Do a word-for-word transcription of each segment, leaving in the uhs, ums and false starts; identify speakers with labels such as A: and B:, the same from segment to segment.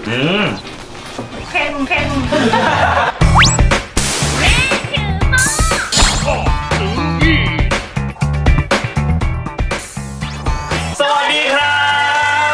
A: อืม
B: เค็มเค็ม
A: สวัสดีครับ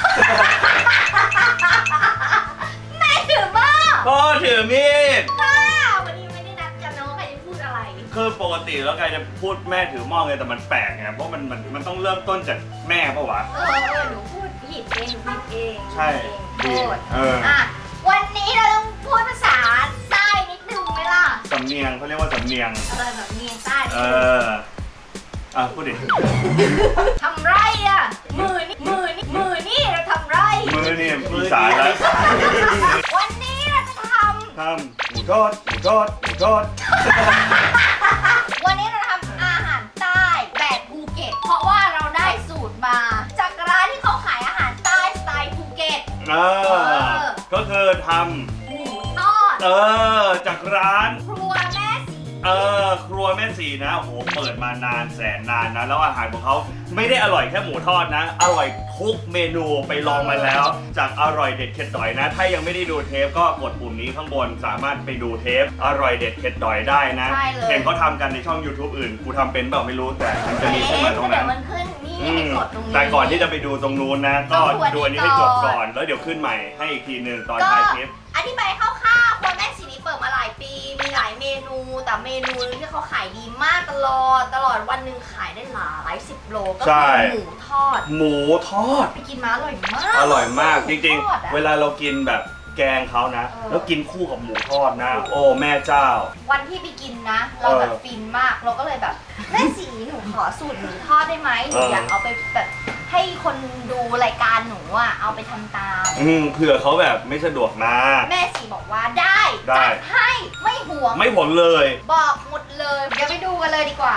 B: แม่ถือบ้า
A: พ่อถือมีด
B: ค่ะวันนี้ไม่ได้นัดกันนะว่าใครจะพูดอะไร
A: คือปกติแล้วกายจะพูดแม่ถือหม้อไงแต่มันแปลกไงเพราะมันมันมันต้องเริ่มต้นจากแม่ปะวะ
B: เออเออหนูพูดผิดเองหนูผิดเอง
A: ใช่
B: โทษ
A: เออ
B: อ่ะวันนี้เราต้องพูดภาษาใต้นิดนึงไหมล่ะ
A: สำเนียงเขาเรียกว่าสำเนียง
B: อะไรแบบเนียงใต้
A: เอออ่ะพูดดิ
B: ทำไรอ่ะมือนี่มือนี่มือนี่เราทำไร
A: มือนี่อีสานแล้ว
B: วันนี้เราจะท
A: ทำหมูทอดหมูทอดหมูทอด
B: ำวันนี้เราทำอาหารใต้แบบภูเก็ต เพราะว่าเราได้สูตรมาจากร้านที่เขาขายอาหารใต้สไตล์ภูเก็ต
A: เออก็คือท
B: หมูทอด
A: ำเออจากร้าน
B: ครัวแม่สี
A: เออครัวแม่สีนะโอ้โหเปิดมานานแสนนานนะแล้วอาหารของเขาไม่ได้อร่อยแค่หมูทอดนะ อร่อยทุกเมนูไปลองมาแล้ว จากอร่อยเด็ดเข็ดดอยนะ ถ้ายังไม่ได้ดูเทปก็กดปุ่มนี้ข้างบนสามารถไปดูเทปอร่อยเด็ดเข็ดดอยได้นะ
B: ใช่เลย
A: เห็นเขาทำกันในช่อง YouTube อื่นกูทำเป็นเปล่าไม่รู้แต่มันจะมีขึ้นมาตรงนั้น
B: เดี๋ยวมันขึ้นนี่
A: อื
B: ให้
A: ม
B: กดตรงนี้
A: แต่ก่อนที่จะไปดูตรงนู้นนะ ก็
B: ต้องดูอันนี้
A: ดูอันนี้ให้จบ
B: ก่
A: ก่
B: อ
A: อน นแล้วเดี๋ยวขึ้นใหม่ให้อีกทีหนึ่งตอน
B: ก็
A: ท้ายคลิป
B: อธิบายคร่าวๆครัวแม่สีนี้เปิดมาหลายปี มีหลายเมนู แต่เมนูที่เขาขายดีมากตลอด ตลอดวันหนึ่งขายได้หลายสิบโล ก็
A: ใช่
B: คือหมูทอด
A: หมูทอด
B: ไปกินมาอร่อยมาก
A: อร่อยมากจริง
B: หมูทอดอะ
A: ๆ เวลาเรากินแบบแกงเขานะ
B: เออ
A: แล้วกินคู่กับหมูทอดนะ โอ้แม่เจ้า
B: วันที่ไปกินนะ เราแบบ
A: เออ
B: ฟินมาก เราก็เลยแบบแม่สีหนูขอสูตรหมูทอดได้ไหมหนู
A: เออ
B: อ
A: อ
B: ยากเอาไปแบบให้คนดูรายการหนูอ่ะ เอาไปทำตาม
A: อืมเผื่อเขาแบบไม่สะดวกมา
B: แม่สีบอกว่าได้
A: ได้
B: จัดให้ไม่ห่วง
A: ไม่ผลเลย
B: บอกหมดเลย เดี๋ยวไปดูกันเลยดีกว่า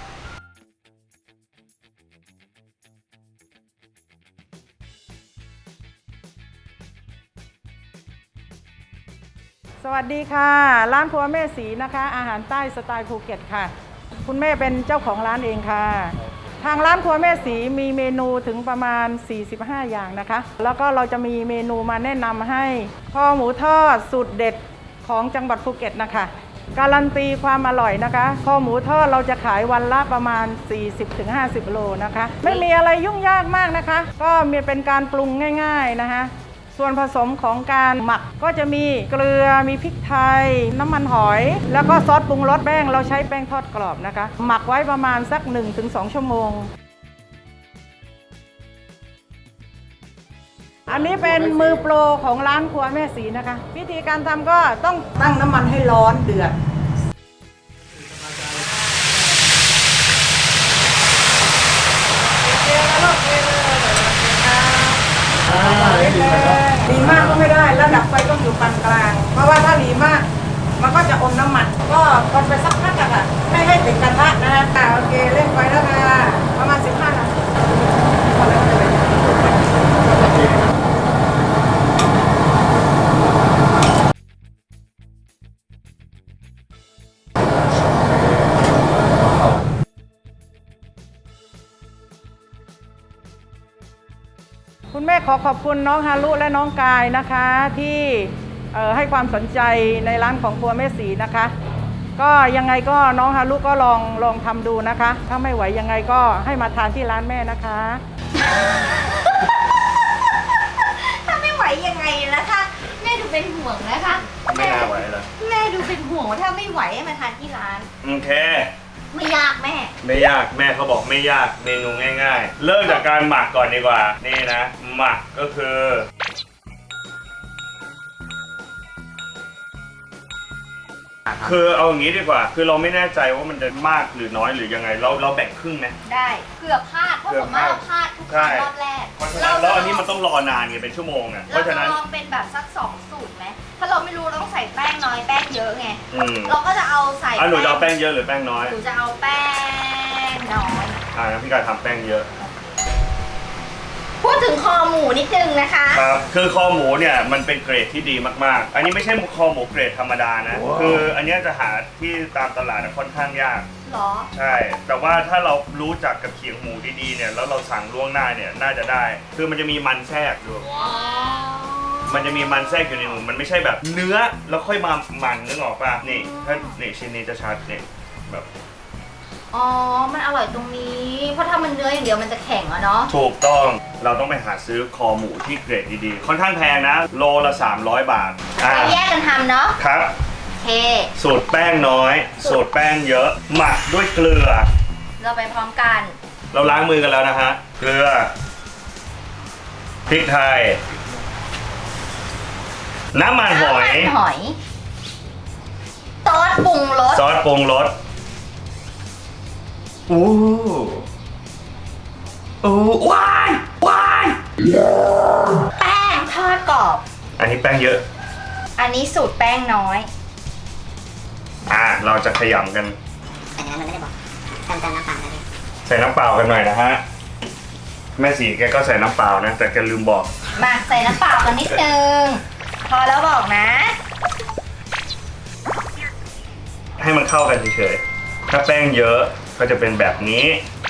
C: สวัสดีค่ะ ร้านครัวแม่สีนะคะ อาหารใต้สไตล์ภูเก็ตค่ะ คุณแม่เป็นเจ้าของร้านเองค่ะ ทางร้านครัวแม่สีมีเมนูถึงประมาณสี่สิบห้าอย่างนะคะ แล้วก็เราจะมีเมนูมาแนะนำให้คอหมูทอดสูตรเด็ดของจังหวัดภูเก็ตนะคะ การันตีความอร่อยนะคะคอหมูทอดเราจะขายวันละประมาณ สี่สิบถึงห้าสิบ โลนะคะ ไม่มีอะไรยุ่งยากมากนะคะ ก็มีเป็นการปรุงง่ายๆนะคะ ส่วนผสมของการหมักก็จะมีเกลือ มีพริกไทย น้ำมันหอย แล้วก็ซอสปรุงรสแป้งเราใช้แป้งทอดกรอบนะคะ หมักไว้ประมาณสัก หนึ่งถึงสอง ชั่วโมง อันนี้เป็นมือโปรของร้านครัวแม่สีนะคะ วิธีการทำก็ต้องตั้งน้ำมันให้ร้อนเดือด ดีมากก็ไม่ได้ระดับไฟต้องอยู่ปานกลาง เพราะว่าถ้าดีมากมันก็จะอมน้ำมัน ก็คนไปสักพักอะค่ะไม่ให้ติดกระทะนะค่ะโอเคเร่งไฟแล้วค่ะประมาณสิบห้านาทีพอแล้วก็จะเป็นคุณแม่ขอขอบคุณน้องฮารุและน้องกายนะคะที่เอ่อให้ความสนใจในร้านของครัวแม่สีนะคะ ก็ยังไงก็น้องฮารุก็ลองลองทำดูนะคะ ถ้าไม่ไหวยังไงก็ให้มาทานที่ร้านแม่นะคะ
B: ถ้าไม่ไหวยังไงนะคะแม่ดูเป็นห่วงนะคะ
A: ไม่น่าไหวเลย
B: แม่ดูเป็นห่วงว่าถ้าไม่ไหวให้มาทานที่ร้าน
A: โอเค
B: ไม่ยากแม่
A: ไม่ยากแม่เขาบอกไม่ยากเมนูง่ายๆ เริ่มจากการหมักก่อนดีกว่า นี่นะ หมักก็คือ คือเอาอย่างนี้ดีกว่า คือเราไม่แน่ใจว่ามันจะมากหรือน้อยหรือยังไง เราเราแบ่งครึ่งไหม
B: ได้เกือบพลาดเพราะผมว่าเราพลาดทุกครั้งรอบแรก
A: เพราะฉะนั้นแล้วอันนี้มันต้องรอนานไงเป็นชั่วโมงอ่ะเพ
B: เรา
A: ราะ
B: จะ
A: ฉะนั้น
B: ลองเป็นแบบสักสองสูตรไหมถ้าเราไม่รู้เราต้องใส่แป้งน้อยแป้งเยอะไง
A: อืม
B: เราก็จะเอาใส่
A: อ่ะหนูจะเอาแป้งเยอะหรือแป้งน้อย
B: หนูจะเอาแป้งน้อย
A: อ่าพี่กายทำแป้งเยอะ
B: พูดถึงคอหมูนิดนึงนะคะ
A: ครับ คือคอหมูเนี่ยมันเป็นเกรดที่ดีมากๆ อันนี้ไม่ใช่คอหมูเกรดธรรมดานะ
C: ว้าว
A: คืออันเนี้ยจะหาที่ตามตลาดค่อนข้างยาก
B: หรอ
A: ใช่ แต่ว่าถ้าเรารู้จักกับเขียงหมูดีๆเนี่ย แล้วเราสั่งล่วงหน้าเนี่ย น่าจะได้ คือมันจะมีมันแทรกอยู่
B: อ๋อ
A: มันจะมีมันแทรกอยู่ในหมูมันไม่ใช่แบบเนื้อแล้วค่อยมามันนึกออกป่ะนี่ถ้านี่ชิ้นนี้จะชัดนี่แบบ
B: อ๋อ มันอร่อยตรงนี้ เพราะถ้ามันเนื้ออย่างเดียวมันจะแข็งอะเนาะ
A: ถูกต้องเราต้องไปหาซื้อคอหมูที่เกรดดีๆค่อนข้างแพงนะโลละสามร้อยบาทอ่า
B: ไปแยกกันทำเนาะ
A: ครับ
B: โอเค
A: สูตรแป้งน้อย สูตรแป้งเยอะหมักด้วยเกลือ
B: เราไปพร้อมกัน
A: เราล้างมือกันแล้วนะฮะเกลือพริกไทย น้ำมันหอย
B: น้ำมันหอยซอสปรุงรส
A: ซอสปรุงรสอู้อู้ว้ายว้าย
B: แป้งทอดกรอบ
A: อันนี้แป้งเยอะ
B: อันนี้สูตรแป้งน้อย
A: อ่าเราจะขยำกัน
D: อันนั้นมันไม่ได้บอกเติมเติมน้ำเปล่าได้เลย
A: ใส่น้ำเปล่ากันหน่อยนะฮะแม่สีแกก็ใส่น้ำเปล่านะแต่แกลืมบอก
B: มาใส่น้ำเปล่ากันนิดนึง พอแล้วบอกนะ
A: ให้มันเข้ากันเฉยๆถ้าแป้งเยอะก็จะเป็นแบบนี้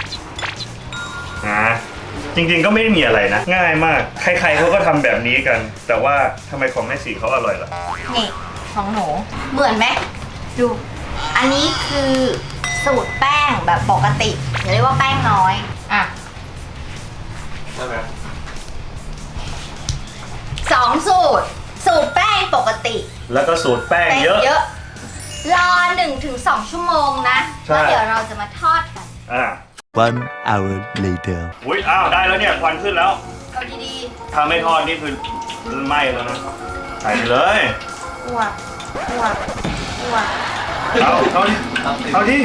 A: นะจริงๆก็ไม่ได้มีอะไรนะ ง่ายมาก ใครๆเขาก็ทำแบบนี้กัน แต่ว่าทำไมของแม่สีเขาอร่อยล่ะ
B: นี่ของหนู เหมือนไหมดู อันนี้คือสูตรแป้งแบบปกติเรียกว่าแป้งน้อย อ่ะ
A: ใช่ไหม
B: สองสูตร สูตรแป้งปกติ
A: แล้วก็สูตรแป้ง
B: แป้ง
A: เยอะ
B: เยอะ รอหนึ่งถึงสองชั่วโมงนะ
A: ใช่
B: แล้วเดี๋ยวเราจะมาทอดกัน
A: อ่า
E: One hour later.
A: อุ้ยอ้าวได้แล้วเนี่ยควันขึ้นแล้ว
B: เอาดี
A: ถ้าไม่ทอดนี่คือไหม้แล้วนะใส่ไปเลย
B: ๆอ้วกอ้วกอ้วก
A: เอาเอาดิเอาดิ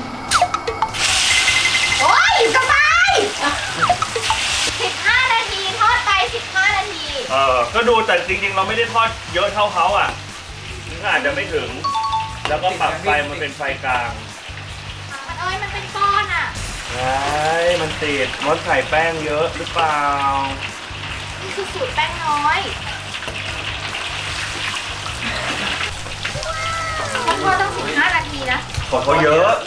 B: โอ๊ยสบายสิบห้านาทีทอดไปสิบห้านาที
A: เออก็ดูแต่จริงๆ เราไม่ได้ทอดเยอะเท่าเขาอ่ะถึงอาจจะไม่ถึง แล้วก็ปรับไฟมันเป็นไฟกลาง
B: มันเอ้ยมันเป็นก้อนอ่ะ
A: ไอ้มันติดมดใส่แป้งเยอะหรือเปล่า
B: นี่คือสูตรแป้งน้อยมันทอดต้องสิบห้านาทีนะ
A: ของเขาเยอะ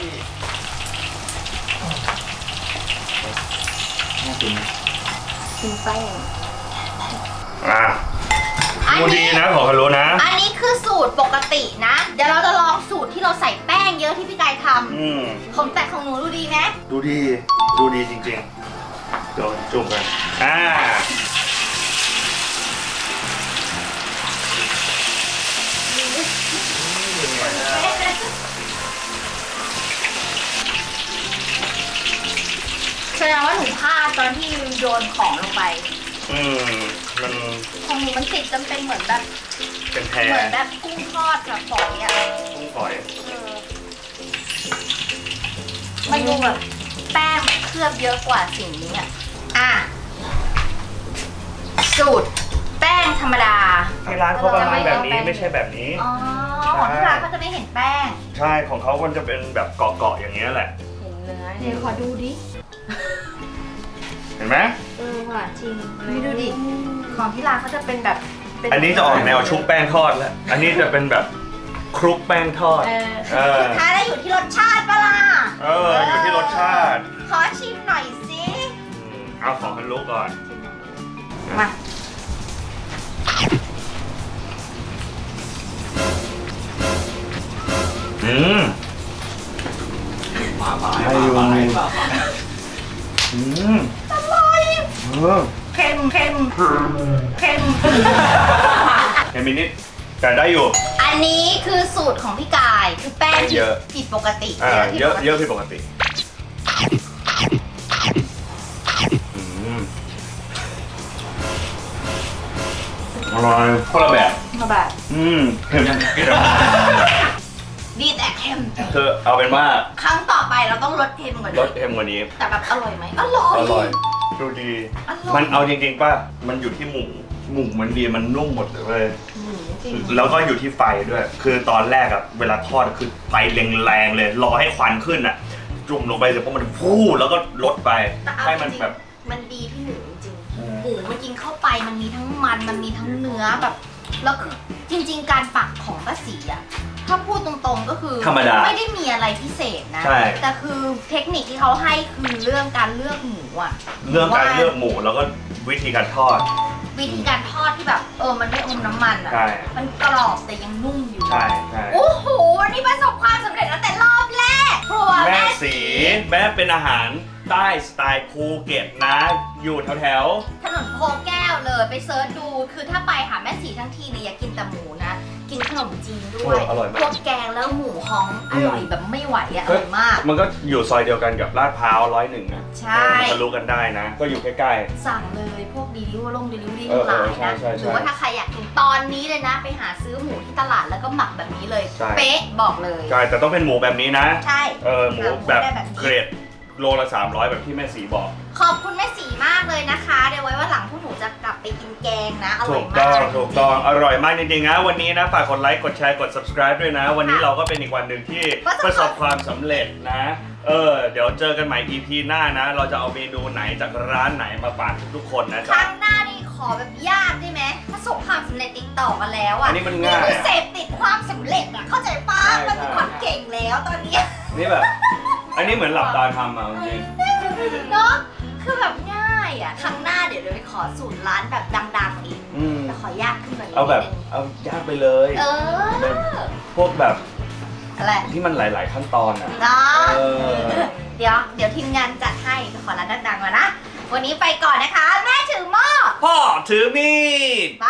B: ถึงแป้ง
A: อ่ะ
B: อัน
A: ดู
B: นี้
A: ดีนะของเขารู้นะ
B: อันนี้คือสูตรปกตินะ เดี๋ยวเราจะลองสูตรที่เราใส่แป้งเยอะที่พี่กายท
A: อืม
B: ำผมแต่ของหนูดูดีไหม
A: ดูดี ดูดีจริงๆ เดี๋ยวจุ่มกัน อ่า
B: แสดงว่าหนูพลาดตอนที่โยนของลงไป
A: อืม มัน
B: ของหนูมันติดจนเป็นเหมือนแบบ
A: เป็นแพร
B: เหมือนแบบกุ้งทอดแบบฝอยอ่ะ
A: กุ้งฝอย
B: เออมันดูแบบแป้งเคลือบเยอะกว่าสิ่งนี้อ่ะ อ่ะ สูตรแป้งธรรมดา
A: ที่ร้านเขาประมาณแบบนี้ไม่ใช่แบบนี้
B: อ๋อ ของที่ร้านก็จะไม่เห็นแป้ง
A: ใช่ ของเขามันจะเป็นแบบเกาะๆอย่างเงี้ยแหละ
B: เห็นเนื้อเดี๋ยวขอดูดิ
A: เห็นไหม
B: เออว่ะจริงไม่ดูดิ ของที่ร้านเขาจะเป็นแบบเป็
A: อันนี้จะออกแนวชุบแป้งทอดแล้ว อันนี้จะเป็นแบบคลุกแป้งทอด
B: เออ
A: เออ
B: สุดท้ายแล้วอยู่ที่รสชาติปะล่ะ
A: เออ อยู่ที่รสชาติ
B: ขอชิมหน่อยสิ
A: อืมเอาของฮันลุกก่อน
B: มา
A: อืมให้อยู่อืม
B: อร่อย
A: เออ
B: เค็มเค็มเค็ม
A: เห็นมินิดแต่ได้อยู่
B: อันนี้คือสูตรของพี่กาย คือแป้ง
A: เยอะ
B: ผิดปกติ
A: อ่า
B: ผิด
A: เยอะ
B: ปกติ
A: เยอะผิดปกติอืมอร่อยคนละแบบ
B: มาแบบ
A: อืมเค็ม
B: ดีแต่เค็ม
A: คือเอาเป็นว่า
B: ครั้งต่อไปเราต้องลดเค็มกว่านี้
A: รสเค็มกว่านี้
B: แต่แบบอร่อยไหมอร่อย
A: อร่อย ดูดี
B: อร่อย
A: มันเอาจริงๆป่ะ มันอยู่ที่หมู หมูมันดี มันนุ่มหมดเลย
B: อืมจริง
A: แล้วก็อยู่ที่ไฟด้วย คือตอนแรกอะเวลาทอดคือไฟแรงๆเลย รอให้ควันขึ้นอะจุ่มลงไปเสร็จพอมันฟู่แล้วก็ลดไป
B: แต่เอา
A: ให้
B: จ
A: มัน
B: ริง
A: แบบ
B: ๆมันดีพี่หนูจริง
A: อืม
B: ๆหมูมันกินเข้าไปมันมีทั้งมัน มันมีทั้งเนื้อแบบ แล้วคือจริง ๆ การปักของป้าศรีอะถ้าพูดตรงๆก็คือ
A: ธรรมดา
B: ไม่ได้มีอะไรพิเศษนะ
A: ใช่
B: แต่คือเทคนิคที่เขาให้คือเรื่องการเลือกหมูอะ
A: เรื่องการเลือกหมูแล้วก็วิธีการทอด
B: วิธีการทอดที่แบบเออมันไม่อมน้ำมันอ่ะ
A: ใช่
B: มันกรอบแต่ยังนุ่มอยู่
A: ใช่ใช่
B: โอ้โหวันนี้ประสบความสำเร็จตั้งแต่รอบแรกครัว
A: แม่
B: แม่
A: สีแม่เป็นอาหารใต้สไตล์ภูเก็ตนะ อยู่แถวแถว
B: ถนนโพแก้วเลยไปเซิร์ชดูคือถ้าไปหาแม่สีทั้งทีเนี่ยอย่ากินแต่หมูนะ กินขนมจีนด้วย
A: อร่อยมาก
B: พวกแกงแล้วหมูฮ้องอร่อยแบบไม่ไหวอะอร่อยมาก
A: มันก็อยู่ซอยเดียวกันกับลาดพร้าวร้อยหนึ่งนะ
B: ใช่
A: ทะลุกันได้นะ ก็อยู่ใกล้
B: สั่งเลยพวกดีลิเวอร์ลงดีลิเวอรี่
A: เอ
B: ทั้
A: อง
B: หลาย
A: ใช่
B: นะ
A: ใช่ใช่
B: หรือว่าถ้าใครอยากกินตอนนี้เลยนะ ไปหาซื้อหมูที่ตลาดแล้วก็หมักแบบนี้เลย
A: ใช่
B: เป๊ะบอกเลย
A: ๆใช่แต่ต้องเป็นหมูแบบนี้นะ
B: ใช่
A: เออหมูแบบ
B: ได้แบบนี้
A: เกรดโลละสามร้อยแบบที่แม่สีบอก
B: ขอบคุณแม่สีมากเลยนะคะ เดี๋ยวไว้ว่าหลังพวกหนูจะกลับไปกินแกงนะ อร่
A: ถู
B: อย
A: ก
B: มา
A: ต้อง
B: ก
A: ถูกต้องอร่อยมากจริงๆนะวันนี้นะฝากกดไลค์กดแชร์กด subscribe ด้วยนะ วันนี้เราก็เป็นอีกวันหนึ่งที่ประสบความสำเร็จนะ เออเดี๋ยวเจอกันใหม่ อี พี หน้านะ เราจะเอาเมนูไหนจากร้านไหนมาฝากทุกคนนะ
B: ค
A: จ๊ะ
B: รั้งหน้านี่ขอแบบยากได้ไหมประสบความสำเร็จติดต่อกันแล้วอ่ะ
A: อันนี้มันง่าย
B: คือเสพติดความสำเร็จอ่ะเข้าใจปะ
A: ใช่
B: มันเป็นคนเก่งแล้วตอนเนี้ย
A: นี่แบบ อันนี้เหมือนหลับตาทำอ่ะจริง
B: เนาะคือแบบง่ายอ่ะครั้งหน้าเดี๋ยวเราไปขอสูตรร้านแบบดังๆอีก
A: ๆอืม
B: แต่ขอยากขึ้นกว่านี้
A: เอาแบบ
B: นิดนึง
A: เอายากไปเลย
B: เออ
A: แบบพวกแบบ
B: อะไร
A: ที่มันหลาย ๆ ขั้นตอนอ่ะ
B: เนาะ
A: เออ
B: เดี๋ยวเดี๋ยวทีมงานจัดให้ขอร้านดังๆมานะ วันนี้ไปก่อนนะคะ แม่ถือหม้อ
A: พ่อถือมีด
B: ไป